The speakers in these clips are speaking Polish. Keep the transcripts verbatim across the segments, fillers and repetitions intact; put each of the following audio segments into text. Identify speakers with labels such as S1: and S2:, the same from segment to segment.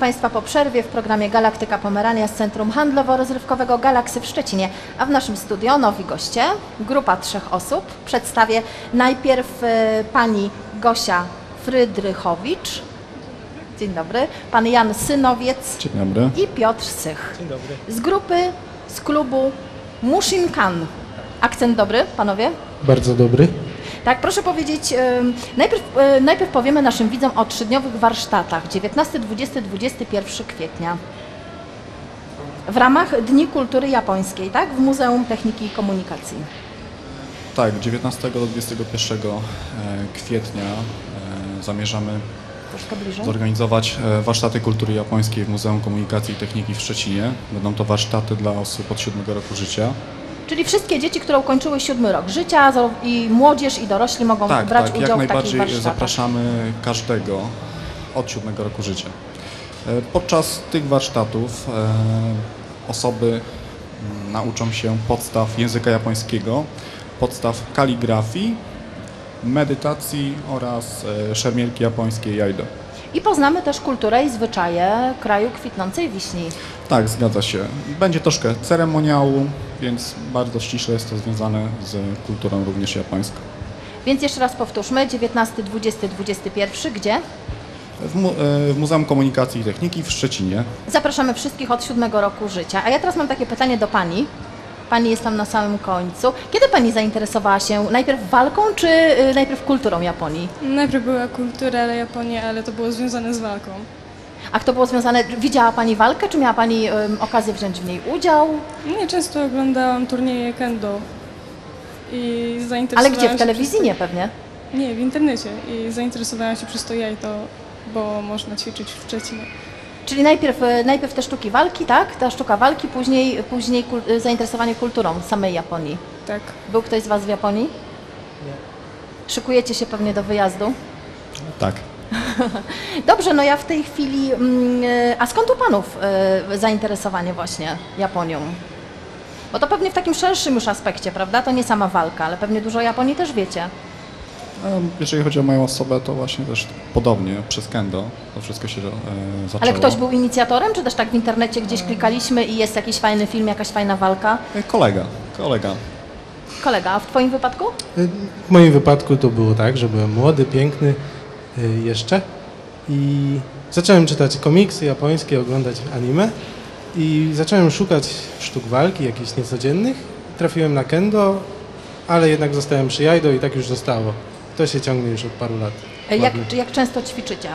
S1: Państwa po przerwie w programie Galaktyka Pomerania z Centrum Handlowo-Rozrywkowego Galaksy w Szczecinie, a w naszym studio nowi goście, grupa trzech osób. Przedstawię najpierw y, pani Gosia Frydrychowicz. Dzień dobry. Pan Jan Synowiec.
S2: Dzień dobry.
S1: I Piotr Sych.
S3: Dzień dobry.
S1: Z grupy, z klubu Mushinkan. Akcent dobry, panowie?
S3: Bardzo dobry.
S1: Tak, proszę powiedzieć, y, najpierw, y, najpierw powiemy naszym widzom o trzydniowych warsztatach dziewiętnastego, dwudziestego, dwudziestego pierwszego kwietnia w ramach Dni Kultury Japońskiej, tak? W Muzeum Techniki i Komunikacji.
S2: Tak, dziewiętnastego do dwudziestego pierwszego kwietnia zamierzamy
S1: Troszkę bliżej.
S2: zorganizować warsztaty kultury japońskiej w Muzeum Komunikacji i Techniki w Szczecinie. Będą to warsztaty dla osób od siódmego roku życia.
S1: Czyli wszystkie dzieci, które ukończyły siódmy rok życia, i młodzież, i dorośli mogą
S2: Tak,
S1: brać
S2: tak,
S1: udział
S2: jak
S1: w takich
S2: najbardziej
S1: warsztatach.
S2: zapraszamy każdego od siódmego roku życia. Podczas tych warsztatów osoby nauczą się podstaw języka japońskiego, podstaw kaligrafii, medytacji oraz szermierki japońskiej Jaido.
S1: I poznamy też kulturę i zwyczaje kraju kwitnącej wiśni.
S2: Tak, zgadza się. Będzie troszkę ceremoniału, więc bardzo ściśle jest to związane z kulturą również japońską.
S1: Więc jeszcze raz powtórzmy, dziewiętnasty, dwudziesty, dwudziesty pierwszy, gdzie?
S2: W, mu w Muzeum Komunikacji i Techniki w Szczecinie.
S1: Zapraszamy wszystkich od siódmego roku życia. A ja teraz mam takie pytanie do Pani. Pani jest tam na samym końcu. Kiedy Pani zainteresowała się najpierw walką, czy y, najpierw kulturą Japonii?
S4: Najpierw była kultura Japonii, ale to było związane z walką.
S1: A kto było związane, widziała Pani walkę, czy miała Pani y, okazję wziąć w niej udział?
S4: Nie, często oglądałam turnieje kendo i zainteresowałam
S1: Ale gdzie? W
S4: się
S1: telewizji
S4: przez to...
S1: nie pewnie?
S4: Nie, w internecie i zainteresowałam się przez to jajto, bo można ćwiczyć w Szczecinie.
S1: Czyli najpierw, y, najpierw te sztuki walki, tak? Ta sztuka walki, później, później kul y, zainteresowanie kulturą samej Japonii.
S4: Tak.
S1: Był ktoś z Was w Japonii?
S3: Nie.
S1: Szykujecie się pewnie do wyjazdu?
S2: Tak.
S1: Dobrze, no ja w tej chwili... Mm, a skąd u Panów y, zainteresowanie właśnie Japonią? Bo to pewnie w takim szerszym już aspekcie, prawda? To nie sama walka, ale pewnie dużo o Japonii też wiecie.
S2: Jeżeli chodzi o moją osobę, to właśnie też podobnie przez kendo to wszystko się e, zaczęło.
S1: Ale ktoś był inicjatorem, czy też tak w internecie gdzieś klikaliśmy i jest jakiś fajny film, jakaś fajna walka?
S2: Kolega, kolega.
S1: Kolega, a w Twoim wypadku?
S3: W moim wypadku to było tak, że byłem młody, piękny jeszcze i zacząłem czytać komiksy japońskie, oglądać anime i zacząłem szukać sztuk walki, jakichś niecodziennych. Trafiłem na kendo, ale jednak zostałem przy jaido i tak już zostało. To się ciągnie już od paru lat.
S1: Jak, jak często ćwiczycie?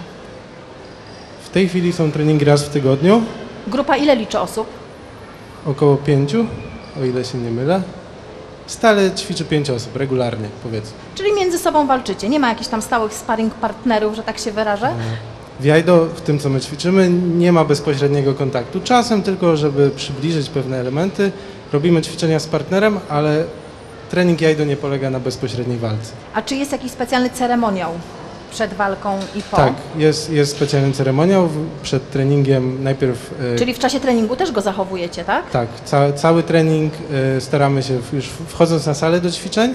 S3: W tej chwili są treningi raz w tygodniu,
S1: Grupa ile liczy osób?
S3: około pięciu, o ile się nie mylę. Stale ćwiczy pięć osób, regularnie powiedzmy.
S1: Czyli między sobą walczycie, nie ma jakichś tam stałych sparring partnerów, że tak się wyrażę?
S3: W jaido, w tym co my ćwiczymy, nie ma bezpośredniego kontaktu. Czasem tylko, żeby przybliżyć pewne elementy, robimy ćwiczenia z partnerem, ale trening jaido nie polega na bezpośredniej walce.
S1: A czy jest jakiś specjalny ceremoniał przed walką i po?
S3: Tak, jest, jest specjalny ceremoniał w- przed treningiem. Najpierw e,
S1: Czyli w czasie treningu też go zachowujecie, tak?
S3: tak, ca, cały trening e, staramy się w- już wchodząc na salę do ćwiczeń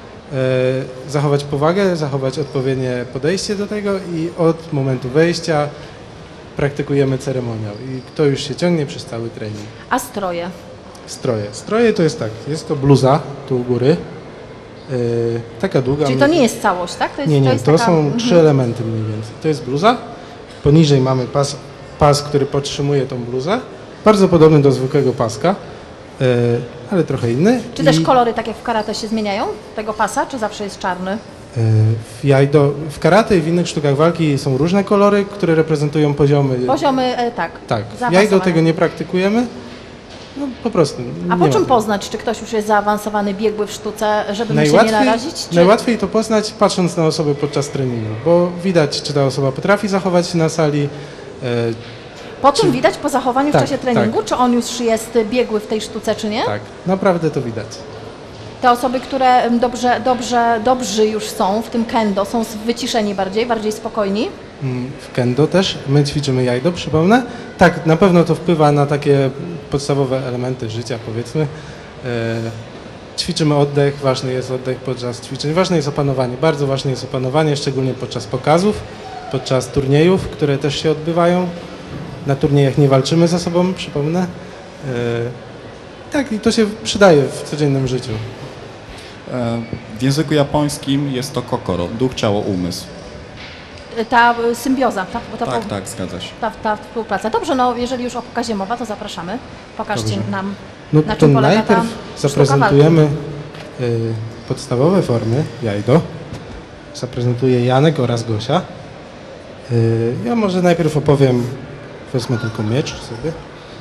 S3: e, zachować powagę, zachować odpowiednie podejście do tego i od momentu wejścia praktykujemy ceremoniał i to już się ciągnie przez cały trening.
S1: A stroje?
S3: Stroje. Stroje to jest tak, jest to bluza tu u góry, e, taka długa.
S1: Czyli to nie jest całość, tak? To jest,
S3: Nie, nie,
S1: jest
S3: to
S1: taka...
S3: są
S1: Mhm.
S3: trzy elementy mniej więcej. To jest bluza, poniżej mamy pas, pas, który podtrzymuje tą bluzę, bardzo podobny do zwykłego paska, e, ale trochę inny.
S1: Czy też
S3: I,
S1: kolory, tak jak w karate, się zmieniają tego pasa, czy zawsze jest czarny?
S3: e, w jaido, w karate i w innych sztukach walki są różne kolory, które reprezentują poziomy.
S1: Poziomy, e, tak.
S3: Tak, w
S1: zaawansowane.
S3: jaido tego nie praktykujemy, no po prostu.
S1: A
S3: nie
S1: po
S3: ma
S1: czym
S3: tego.
S1: poznać, czy ktoś już jest zaawansowany, biegły w sztuce, żeby mu się nie
S3: Najłatwiej,
S1: narazić? Czy...
S3: najłatwiej to poznać patrząc na osobę podczas treningu, bo widać, czy ta osoba potrafi zachować się na sali, e,
S1: Po czym
S3: czy-
S1: widać po zachowaniu
S3: Tak,
S1: w czasie treningu,
S3: tak.
S1: czy on już jest biegły w tej sztuce, czy nie?
S3: tak, naprawdę to widać.
S1: Te osoby, które dobrze, dobrze, dobrzy już są w tym kendo, są wyciszeni bardziej, bardziej spokojni.
S3: Mm, W kendo też, my ćwiczymy jaido, przypomnę. Tak, na pewno to wpływa na takie podstawowe elementy życia, powiedzmy. E, ćwiczymy oddech, ważny jest oddech podczas ćwiczeń, ważne jest opanowanie, bardzo ważne jest opanowanie, szczególnie podczas pokazów, podczas turniejów, które też się odbywają. Na turniejach nie walczymy ze sobą, przypomnę. E, tak, i to się przydaje w codziennym życiu.
S2: E, W języku japońskim jest to kokoro, duch, ciało, umysł.
S1: Ta y, symbioza, ta, ta,
S2: Tak, tak, zgadza się.
S1: ta, ta współpraca. Dobrze, no jeżeli już o pokazie mowa, to zapraszamy. Pokażcie
S3: Dobrze.
S1: nam,
S3: No
S1: na
S3: to
S1: czym polega ta
S3: najpierw
S1: sztuka
S3: zaprezentujemy y, podstawowe formy jajdo. Zaprezentuje Janek oraz Gosia. Y, ja może najpierw opowiem, wezmę tylko miecz sobie.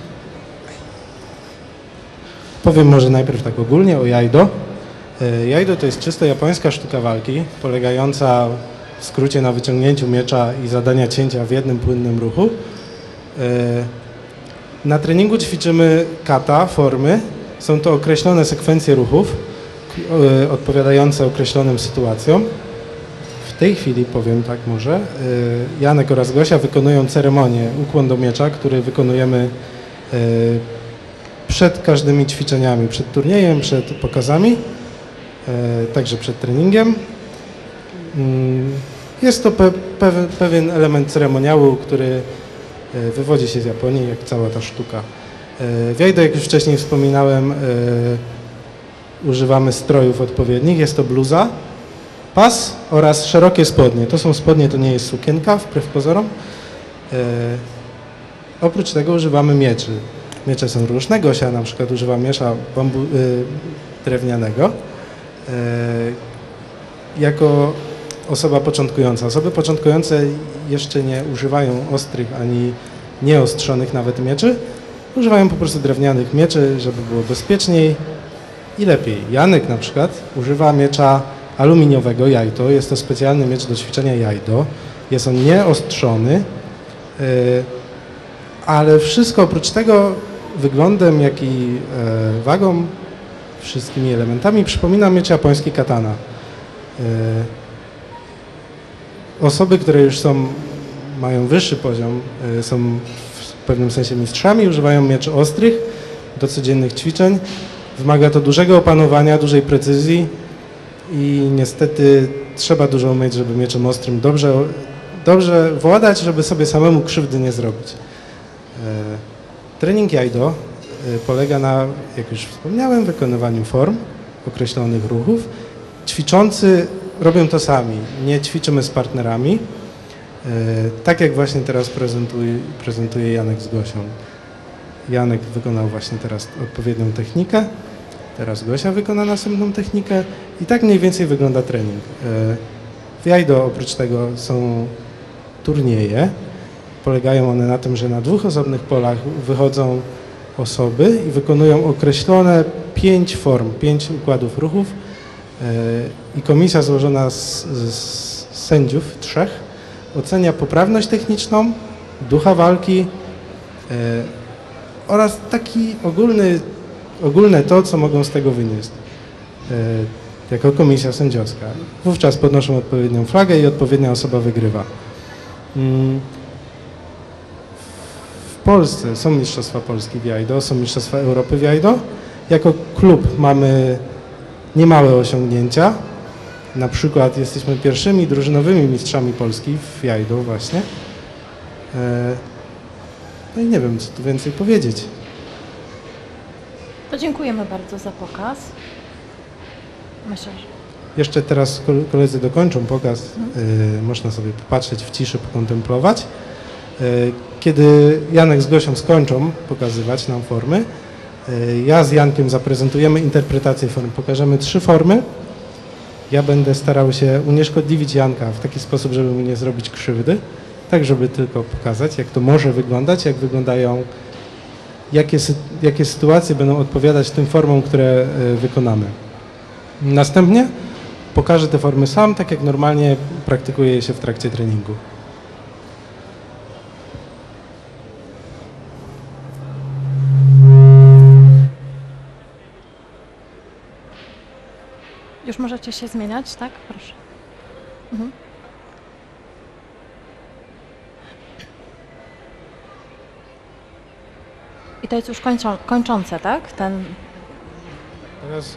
S3: Powiem może najpierw tak ogólnie o jajdo. Y, jajdo to jest czysto japońska sztuka walki, polegająca w skrócie na wyciągnięciu miecza i zadania cięcia w jednym płynnym ruchu. Y, Na treningu ćwiczymy kata, formy. Są to określone sekwencje ruchów, k- e, odpowiadające określonym sytuacjom. W tej chwili powiem tak może, e, Janek oraz Gosia wykonują ceremonię ukłon do miecza, który wykonujemy e, przed każdymi ćwiczeniami, przed turniejem, przed pokazami, e, także przed treningiem. Mm, Jest to pe- pewien, pewien element ceremoniału, który e, wywodzi się z Japonii, jak cała ta sztuka. E, W jajdo, jak już wcześniej wspominałem, e, używamy strojów odpowiednich. Jest to bluza, pas oraz szerokie spodnie. To są spodnie, to nie jest sukienka, wbrew pozorom. E, Oprócz tego używamy mieczy. Miecze są różne. Gosia na przykład używa miecza bambu, e, drewnianego. E, Jako osoba początkująca. Osoby początkujące jeszcze nie używają ostrych ani nieostrzonych nawet mieczy. Używają po prostu drewnianych mieczy, żeby było bezpieczniej i lepiej. Janek na przykład używa miecza aluminiowego jajdo. Jest to specjalny miecz do ćwiczenia jajdo. Jest on nieostrzony, yy, ale wszystko oprócz tego wyglądem, jak i yy, wagą, wszystkimi elementami przypomina miecz japoński katana. Yy, Osoby, które już są, mają wyższy poziom, y, są w pewnym sensie mistrzami, używają mieczy ostrych do codziennych ćwiczeń. Wymaga to dużego opanowania, dużej precyzji i niestety trzeba dużo umieć, żeby mieczem ostrym dobrze, dobrze władać, żeby sobie samemu krzywdy nie zrobić. Y, Trening jajdo y, polega na, jak już wspomniałem, wykonywaniu form, określonych ruchów. Ćwiczący robią to sami, nie ćwiczymy z partnerami, e, tak jak właśnie teraz prezentuje, prezentuje Janek z Gosią. Janek wykonał właśnie teraz odpowiednią technikę, teraz Gosia wykona następną technikę i tak mniej więcej wygląda trening. E, w jajdo oprócz tego są turnieje, polegają one na tym, że na dwóch osobnych polach wychodzą osoby i wykonują określone pięć form, pięć układów ruchów, i komisja złożona z, z sędziów, trzech, ocenia poprawność techniczną, ducha walki e, oraz taki ogólny, ogólne to, co mogą z tego wynieść e, jako komisja sędziowska. Wówczas podnoszą odpowiednią flagę i odpowiednia osoba wygrywa. Mm. W Polsce są Mistrzostwa Polski w jajdo, są Mistrzostwa Europy w jajdo. Jako klub mamy niemałe osiągnięcia. Na przykład jesteśmy pierwszymi drużynowymi mistrzami Polski w jajdo właśnie. E, No i nie wiem, co tu więcej powiedzieć.
S1: To dziękujemy bardzo za pokaz. Myślę, że...
S3: Jeszcze teraz kol- koledzy dokończą pokaz. E, Można sobie popatrzeć w ciszy, pokontemplować. E, Kiedy Janek z Gosią skończą pokazywać nam formy, e, ja z Jankiem zaprezentujemy interpretację form. Pokażemy trzy formy. Ja będę starał się unieszkodliwić Janka w taki sposób, żeby mu nie zrobić krzywdy, tak żeby tylko pokazać, jak to może wyglądać, jak wyglądają, jakie, sy- jakie sytuacje będą odpowiadać tym formom, które e, wykonamy. Następnie pokażę te formy sam, tak jak normalnie praktykuję je się w trakcie treningu.
S1: Już możecie się zmieniać, tak? Proszę. Mhm. I to jest już kończą, kończące, tak? Ten...
S3: Teraz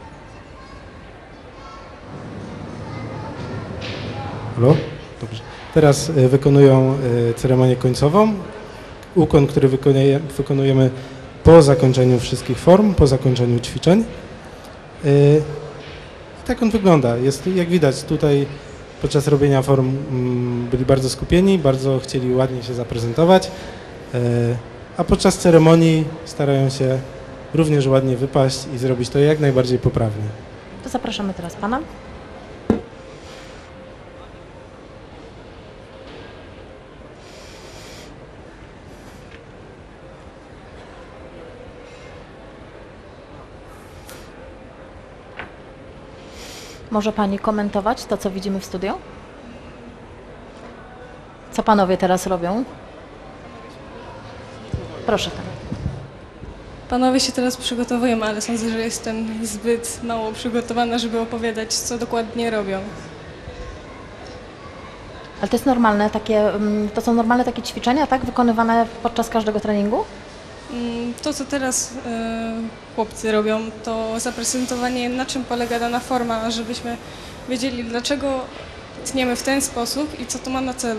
S3: Halo? Dobrze. Teraz y, wykonują y, ceremonię końcową, ukłon, który wykonuje, wykonujemy po zakończeniu wszystkich form, po zakończeniu ćwiczeń. Y, tak on wygląda. Jest, jak widać, tutaj podczas robienia form mm, byli bardzo skupieni, bardzo chcieli ładnie się zaprezentować, y, a podczas ceremonii starają się również ładnie wypaść i zrobić to jak najbardziej poprawnie.
S1: To zapraszamy teraz Pana. Może Pani komentować to, co widzimy w studio? Co Panowie teraz robią? Proszę. Tam.
S4: Panowie się teraz przygotowują, ale sądzę, że jestem zbyt mało przygotowana, żeby opowiadać, co dokładnie robią.
S1: Ale to jest normalne, takie, mm, to są normalne takie ćwiczenia, tak? Wykonywane podczas każdego treningu?
S4: Mm, To, co teraz e, chłopcy robią, to zaprezentowanie, na czym polega dana forma, żebyśmy wiedzieli, dlaczego tniemy w ten sposób i co to ma na celu.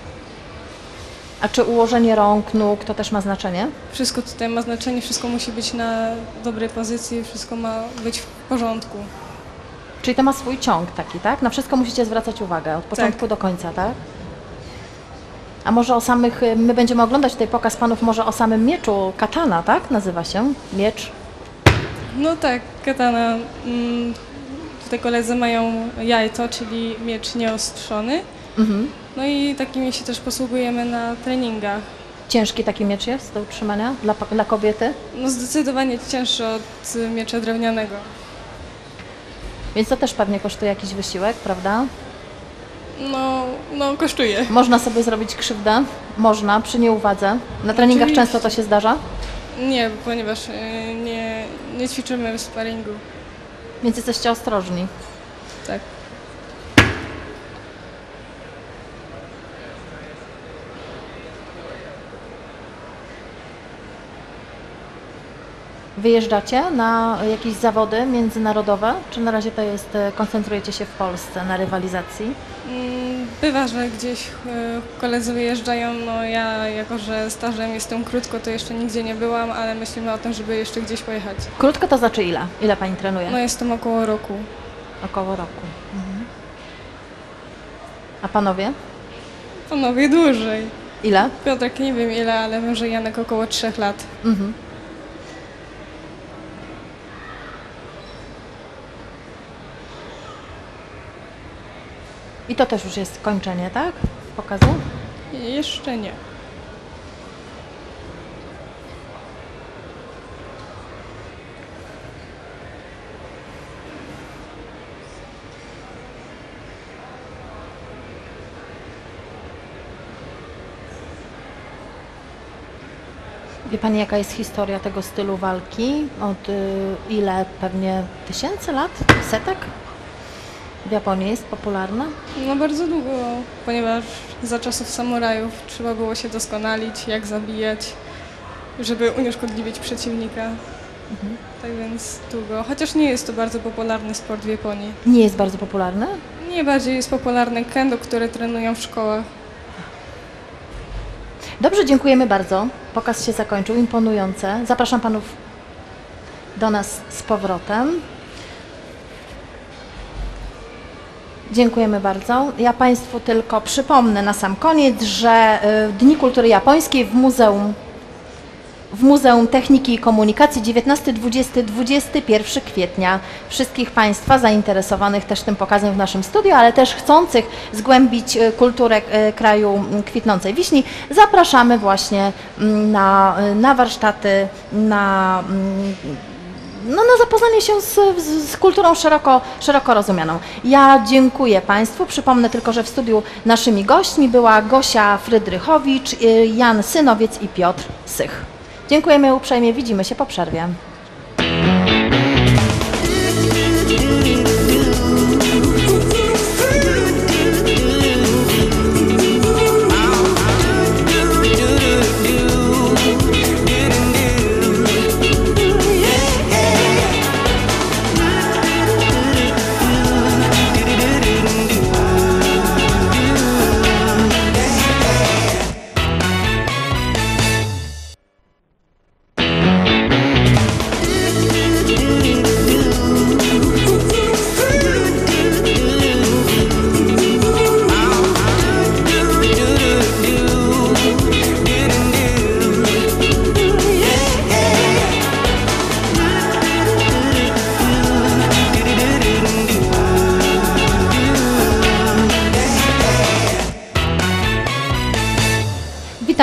S1: A czy ułożenie rąk, nóg to też ma znaczenie?
S4: Wszystko tutaj ma znaczenie, wszystko musi być na dobrej pozycji, wszystko ma być w porządku.
S1: Czyli to ma swój ciąg taki, tak? Na wszystko musicie zwracać uwagę, od początku do końca, tak? A może o samych, my będziemy oglądać tutaj pokaz Panów, może o samym mieczu, katana, tak? Nazywa się miecz.
S4: No tak, katana. mm, Tutaj koledzy mają jajto, czyli miecz nieostrzony.
S1: Mhm.
S4: No i takimi się też posługujemy na treningach.
S1: Ciężki taki miecz jest do utrzymania dla, dla kobiety,
S4: No zdecydowanie cięższy od y, miecza drewnianego.
S1: więc to też pewnie kosztuje jakiś wysiłek, prawda?
S4: No, no kosztuje.
S1: Można sobie zrobić krzywdę, można, przy nieuwadze. Na treningach
S4: Oczywiście.
S1: często to się zdarza,
S4: Nie, ponieważ y, nie, nie ćwiczymy w sparingu.
S1: więc jesteście ostrożni.
S4: Tak.
S1: Wyjeżdżacie na jakieś zawody międzynarodowe, czy na razie to jest, e, koncentrujecie się w Polsce na rywalizacji?
S4: Mm, Bywa, że gdzieś y, koledzy wyjeżdżają, no ja jako, że stażem jestem krótko, to jeszcze nigdzie nie byłam, ale myślimy o tym, żeby jeszcze gdzieś pojechać.
S1: Krótko to znaczy ile? Ile Pani trenuje?
S4: No jestem około roku.
S1: Około roku. Mhm. A Panowie?
S4: Panowie dłużej.
S1: Ile?
S4: Piotrek nie wiem ile, ale wiem, że Janek około trzech lat.
S1: Mhm. I to też już jest kończenie, tak? Pokazu?
S4: I jeszcze nie.
S1: Wie Pani, jaka jest historia tego stylu walki? Od y, ile? Pewnie tysięcy lat? Setek? W Japonii jest popularna?
S4: No bardzo długo, ponieważ za czasów samurajów trzeba było się doskonalić, jak zabijać, żeby unieszkodliwić przeciwnika.
S1: Mhm.
S4: Tak więc długo. Chociaż nie jest to bardzo popularny sport w Japonii.
S1: Nie jest bardzo popularny?
S4: Nie bardziej jest popularny kendo, które trenują w szkołach.
S1: Dobrze, dziękujemy bardzo. Pokaz się zakończył, imponujące. Zapraszam Panów do nas z powrotem. Dziękujemy bardzo. Ja Państwu tylko przypomnę na sam koniec, że y, Dni Kultury Japońskiej w Muzeum, w Muzeum Techniki i Komunikacji dziewiętnastego, dwudziestego, dwudziestego pierwszego kwietnia. Wszystkich Państwa zainteresowanych też tym pokazem w naszym studiu, ale też chcących zgłębić y, kulturę y, kraju y, kwitnącej wiśni, zapraszamy właśnie y, na, y, na warsztaty, na y, no, na zapoznanie się z, z, z kulturą szeroko, szeroko rozumianą. Ja dziękuję Państwu. Przypomnę tylko, że w studiu naszymi gośćmi była Gosia Frydrychowicz, y, Jan Synowiec i Piotr Sych. Dziękujemy uprzejmie. Widzimy się po przerwie.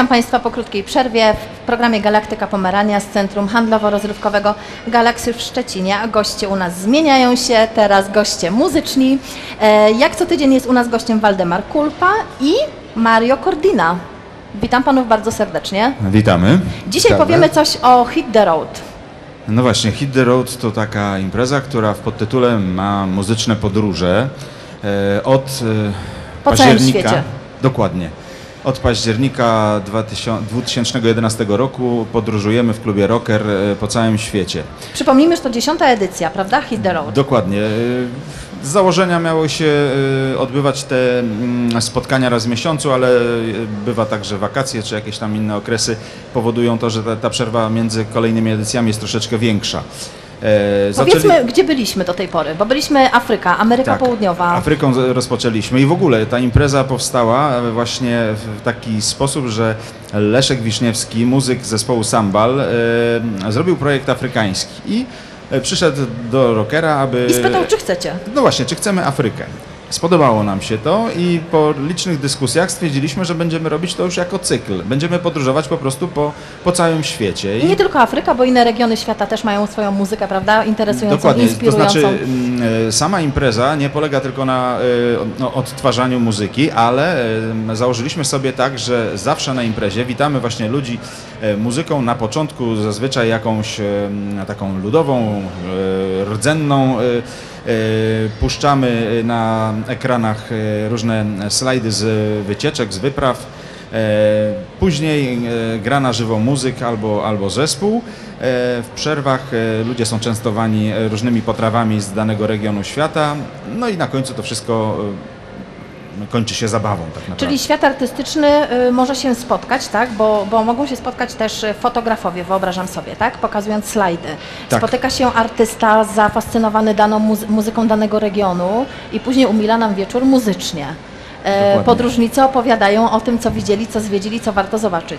S1: Witam Państwa po krótkiej przerwie w programie Galaktyka Pomerania z Centrum Handlowo-Rozrywkowego Galaxy w Szczecinie. A goście u nas zmieniają się, teraz goście muzyczni. E, jak co tydzień jest u nas gościem Waldemar Kulpa i Mario Cordina. Witam Panów bardzo serdecznie.
S5: Witamy.
S1: Dzisiaj
S5: Witamy.
S1: powiemy coś o Hit the Road.
S5: No właśnie, Hit the Road to taka impreza, która w podtytule ma muzyczne podróże e, od e,
S1: Po całym
S5: października.
S1: świecie.
S5: Dokładnie. Od października dwa tysiące jedenastego roku podróżujemy w klubie Rocker e, po całym świecie.
S1: Przypomnijmy, że to dziesiąta edycja, prawda? Hit the Road.
S5: Dokładnie. E, Z założenia miało się e, odbywać te mm, spotkania raz w miesiącu, ale e, bywa tak, że wakacje czy jakieś tam inne okresy powodują to, że ta, ta przerwa między kolejnymi edycjami jest troszeczkę większa. E,
S1: Powiedzmy,
S5: zaczęli-
S1: gdzie byliśmy do tej pory, bo byliśmy Afryka, Ameryka
S5: Tak,
S1: Południowa.
S5: Afryką z- rozpoczęliśmy i w ogóle ta impreza powstała właśnie w taki sposób, że Leszek Wiszniewski, muzyk zespołu Sambal, e, zrobił projekt afrykański i e, przyszedł do Rockera, aby...
S1: I spytał, czy chcecie.
S5: No właśnie, czy chcemy Afrykę? Spodobało nam się to i po licznych dyskusjach stwierdziliśmy, że będziemy robić to już jako cykl. Będziemy podróżować po prostu po, po całym świecie.
S1: I nie tylko Afryka, bo inne regiony świata też mają swoją muzykę, prawda? Interesującą,
S5: Dokładnie, to
S1: inspirującą.
S5: znaczy mm, e, sama impreza nie polega tylko na e, no, odtwarzaniu muzyki, ale e, założyliśmy sobie tak, że zawsze na imprezie witamy właśnie ludzi e, muzyką, na początku zazwyczaj jakąś e, taką ludową, e, rdzenną, e, e, puszczamy na ekranach e, różne slajdy z wycieczek, z wypraw. E, Później e, gra na żywo muzyk albo, albo zespół. E, W przerwach e, ludzie są częstowani e, różnymi potrawami z danego regionu świata. No i na końcu to wszystko e, kończy się zabawą tak naprawdę.
S1: Czyli świat artystyczny y, może się spotkać, tak? Bo, bo mogą się spotkać też y, fotografowie, wyobrażam sobie, tak? Pokazując slajdy.
S5: Tak.
S1: Spotyka się artysta zafascynowany daną muzy- muzyką danego regionu i później umila nam wieczór muzycznie. E,
S5: Dokładnie.
S1: podróżnicy opowiadają o tym, co widzieli, co zwiedzili, co warto zobaczyć.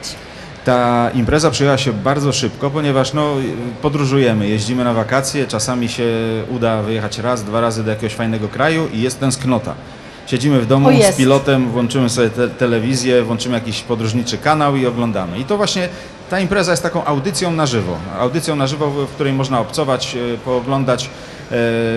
S5: Ta impreza przyjęła się bardzo szybko, ponieważ no, podróżujemy, jeździmy na wakacje, czasami się uda wyjechać raz, dwa razy do jakiegoś fajnego kraju i jest tęsknota. Siedzimy w domu
S1: O, jest.
S5: z pilotem, włączymy sobie te telewizję, włączymy jakiś podróżniczy kanał i oglądamy. I to właśnie ta impreza jest taką audycją na żywo. Audycją na żywo, w w której można obcować, e, pooglądać e,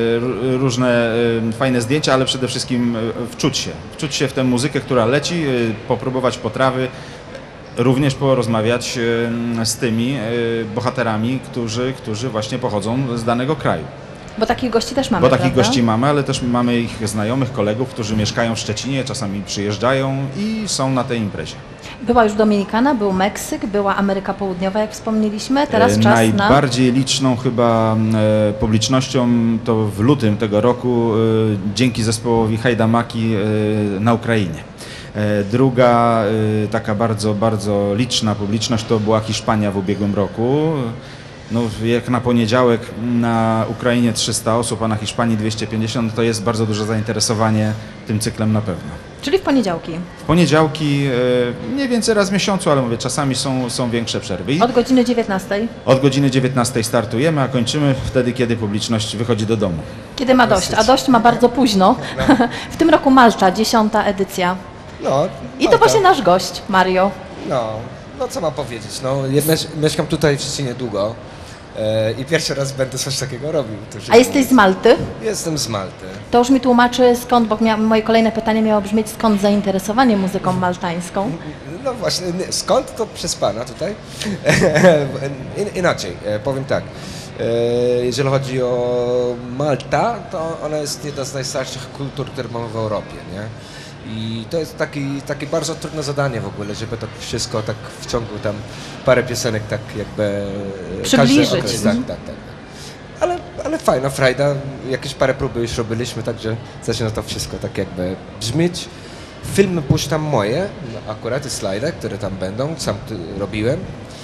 S5: r- różne e, fajne zdjęcia, ale przede wszystkim e, wczuć się. Wczuć się w tę muzykę, która leci, e, popróbować potrawy, również porozmawiać e, z tymi e, bohaterami, którzy, którzy właśnie pochodzą z danego kraju.
S1: Bo takich gości też mamy,
S5: Bo takich
S1: prawda?
S5: gości mamy, ale też mamy ich znajomych, kolegów, którzy mieszkają w Szczecinie, czasami przyjeżdżają i są na tej imprezie.
S1: Była już Dominikana, był Meksyk, była Ameryka Południowa, jak wspomnieliśmy. Teraz
S5: E,
S1: czas na...
S5: Najbardziej liczną chyba e, publicznością to w lutym tego roku e, dzięki zespołowi Hajdamaki e, na Ukrainie. E, Druga e, taka bardzo, bardzo liczna publiczność to była Hiszpania w ubiegłym roku. No, jak na poniedziałek na Ukrainie trzysta osób, a na Hiszpanii dwieście pięćdziesiąt, to jest bardzo duże zainteresowanie tym cyklem na pewno.
S1: Czyli w poniedziałki.
S5: W poniedziałki e, mniej więcej raz w miesiącu, ale mówię, czasami są, są większe przerwy. I
S1: Od godziny dziewiętnastej.
S5: od godziny dziewiętnastej startujemy, a kończymy wtedy, kiedy publiczność wychodzi do domu.
S1: Kiedy ma dość, a dość ma bardzo późno. W tym roku Malta, dziesiąta edycja.
S6: No,
S1: I to
S6: Malta.
S1: właśnie nasz gość, Mario.
S6: No, no co mam powiedzieć, no ja miesz- mieszkam tutaj w Szczecinie długo e, i pierwszy raz będę coś takiego robił. To się
S1: A jesteś z Malty?
S6: Jestem z Malty.
S1: To już mi tłumaczy skąd, bo mia- moje kolejne pytanie miało brzmieć, skąd zainteresowanie muzyką maltańską.
S6: No właśnie, nie, skąd to przez pana tutaj? In, inaczej, e, powiem tak. E, jeżeli chodzi o Malta, to ona jest jedna z najstarszych kultur, które mamy w Europie, nie? I to jest taki, takie bardzo trudne zadanie w ogóle, żeby tak wszystko tak w ciągu tam parę piosenek tak jakby... e,
S1: Przybliżyć.
S6: każdy okres, tak, tak, tak. Ale, ale fajna frajda, jakieś parę próby już robiliśmy, także zaczyna to wszystko tak jakby brzmieć. Filmy puszczam moje, no, akurat i slajdy, które tam będą, sam tu robiłem.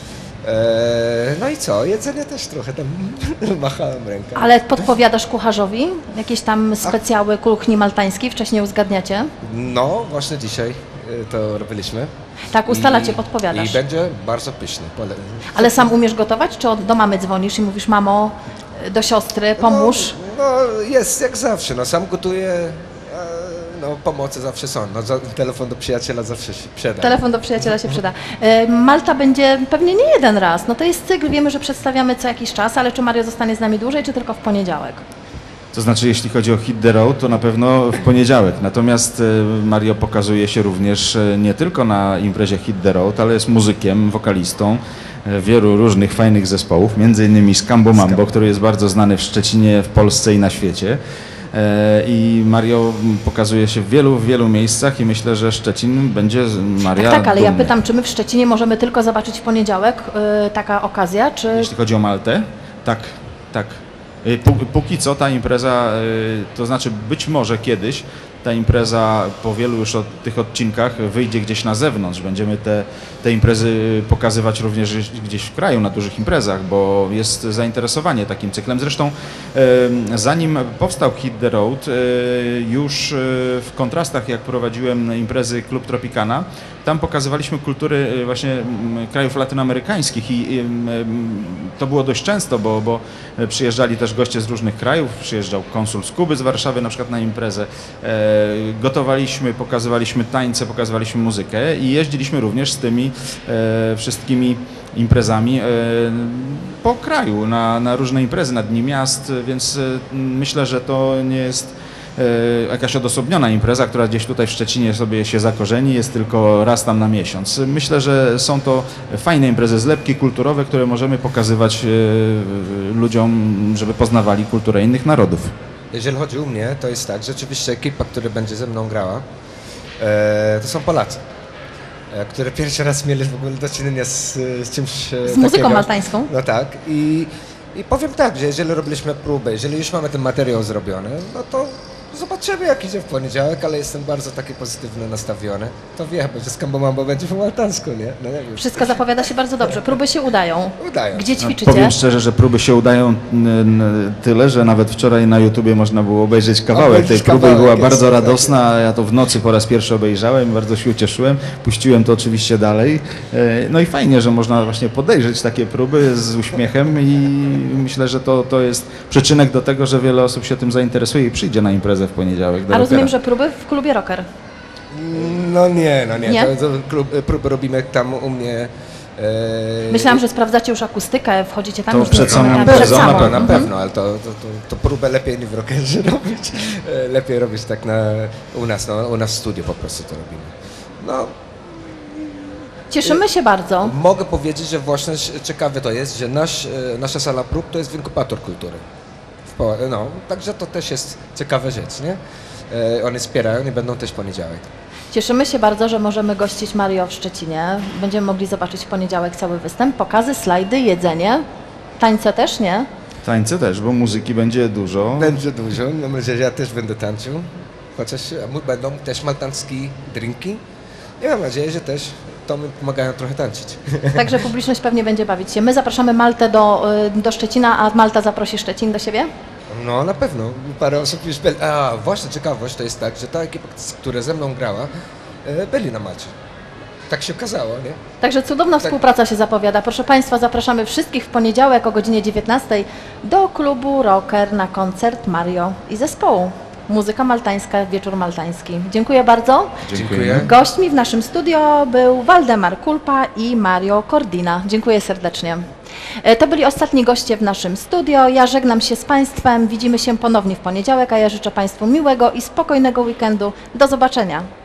S6: Eee, no i co, jedzenie też trochę tam machałem ręką.
S1: Ale podpowiadasz kucharzowi jakieś tam specjały kuchni maltańskiej, wcześniej uzgadniacie?
S6: No, właśnie dzisiaj e, to robiliśmy.
S1: Tak, ustalacie,
S6: I-
S1: podpowiadasz.
S6: I będzie bardzo pyszny. Pole...
S1: Ale sam umiesz gotować, czy od- do mamy dzwonisz i mówisz, mamo, do siostry, pomóż?
S6: No, no jest jak zawsze, no sam gotuję, e, no, pomocy zawsze są. No, za, telefon do przyjaciela zawsze się przyda.
S1: Telefon do przyjaciela się przyda. E, Malta będzie pewnie nie jeden raz. No to jest cykl, wiemy, że przedstawiamy co jakiś czas, ale czy Mario zostanie z nami dłużej, czy tylko w poniedziałek?
S5: To znaczy, jeśli chodzi o Hit the Road, to na pewno w poniedziałek. Natomiast e, Mario pokazuje się również e, nie tylko na imprezie Hit the Road, ale jest muzykiem, wokalistą e, wielu różnych fajnych zespołów, między innymi Scambo Mambo, który jest bardzo znany w Szczecinie, w Polsce i na świecie. E, I Mario pokazuje się w wielu, w wielu miejscach i myślę, że Szczecin będzie z Maria
S1: Tak, tak, ale ja
S5: dumny.
S1: pytam, czy my w Szczecinie możemy tylko zobaczyć w poniedziałek y, taka okazja, czy...
S5: Jeśli chodzi o Maltę, tak, tak. Y, pó- Póki co ta impreza, y, to znaczy być może kiedyś ta impreza po wielu już od tych odcinkach wyjdzie gdzieś na zewnątrz. Będziemy te, te imprezy pokazywać również gdzieś w kraju na dużych imprezach, bo jest zainteresowanie takim cyklem. Zresztą y, zanim powstał Hit the Road, y, już y, w kontrastach, jak prowadziłem imprezy Klub Tropicana, tam pokazywaliśmy kultury y, właśnie mm, krajów latynoamerykańskich i y, y, to było dość często, bo, bo przyjeżdżali też goście z różnych krajów, przyjeżdżał konsul z Kuby, z Warszawy na przykład na imprezę. E, gotowaliśmy, pokazywaliśmy tańce, pokazywaliśmy muzykę i jeździliśmy również z tymi e, wszystkimi imprezami e, po kraju, na, na różne imprezy, na Dni Miast, więc e, myślę, że to nie jest e, jakaś odosobniona impreza, która gdzieś tutaj w Szczecinie sobie się zakorzeni, jest tylko raz tam na miesiąc. Myślę, że są to fajne imprezy, zlepki kulturowe, które możemy pokazywać e, ludziom, żeby poznawali kulturę innych narodów.
S6: Jeżeli chodzi o mnie, to jest tak, rzeczywiście ekipa, która będzie ze mną grała, e, to są Polacy, e, które pierwszy raz mieli w ogóle do czynienia z, z czymś e,
S1: Z muzyką
S6: takiego.
S1: maltańską?
S6: No tak. I, I powiem tak, że jeżeli robiliśmy próbę, jeżeli już mamy ten materiał zrobiony, no to zobaczymy, jak idzie w poniedziałek, ale jestem bardzo taki pozytywnie nastawiony. To wiemy, że Scambo Mambo będzie po maltańsku, nie? No nie wiem.
S1: Wszystko zapowiada się bardzo dobrze. Próby się udają.
S6: Udają.
S1: Gdzie
S5: No,
S1: ćwiczycie?
S5: powiem szczerze, że próby się udają n- n- tyle, że nawet wczoraj na YouTubie można było obejrzeć kawałek
S6: Obejrzeć
S5: tej próby i
S6: kawałek,
S5: była
S6: jest
S5: bardzo
S6: to
S5: radosna. Ja to w nocy po raz pierwszy obejrzałem, bardzo się ucieszyłem. Puściłem to oczywiście dalej. E, No i fajnie, że można właśnie podejrzeć takie próby z uśmiechem i myślę, że to, to jest przyczynek do tego, że wiele osób się tym zainteresuje i przyjdzie na imprezę w poniedziałek. do
S1: A rozumiem,
S5: rockera.
S1: że próby w klubie Rocker.
S6: No nie, no nie.
S1: Nie?
S6: To, to klub, próby robimy tam u mnie. E,
S1: Myślałam, że sprawdzacie już akustykę, wchodzicie tam
S5: To
S1: już
S5: przed
S1: do-
S5: samą
S1: na-
S5: imprezą
S1: przed
S6: na
S1: samą.
S6: pewno, na
S1: Mhm.
S6: pewno, ale to, to, to, to próbę lepiej nie w rockerze robić. E, Lepiej robić tak na, u nas, no, u nas w studiu po prostu to robimy. No,
S1: Cieszymy się bardzo.
S6: mogę powiedzieć, że właśnie ciekawe to jest, że nasz, e, nasza sala prób to jest inkubator kultury. W Po- No, także to też jest ciekawa rzecz, nie? E, Oni wspierają i będą też w poniedziałek.
S1: Cieszymy się bardzo, że możemy gościć Mario w Szczecinie. Będziemy mogli zobaczyć w poniedziałek cały występ, pokazy, slajdy, jedzenie. Tańce też, nie?
S5: Tańce też, bo muzyki będzie dużo.
S6: Będzie dużo, mam nadzieję, że ja też będę tańczył. Chociaż a mu- będą też maltańskie drinki. I mam nadzieję, że też to mi pomagają trochę tańczyć.
S1: Także publiczność pewnie będzie bawić się. My zapraszamy Maltę do, y, do Szczecina, a Malta zaprosi Szczecin do siebie?
S6: No na pewno, parę osób już byli. A właśnie ciekawość to jest tak, że ta ekipa, która ze mną grała, e, byli na macie. Tak się okazało, nie?
S1: Także cudowna współpraca się zapowiada. Proszę Państwa, zapraszamy wszystkich w poniedziałek o godzinie dziewiętnastej do klubu Rocker na koncert Mario i zespołu. Muzyka maltańska, wieczór maltański. Dziękuję bardzo.
S6: Dziękuję.
S1: Gośćmi w naszym studio był Waldemar Kulpa i Mario Cordina. Dziękuję serdecznie. E, To byli ostatni goście w naszym studio. Ja żegnam się z Państwem. Widzimy się ponownie w poniedziałek, a ja życzę Państwu miłego i spokojnego weekendu. Do zobaczenia.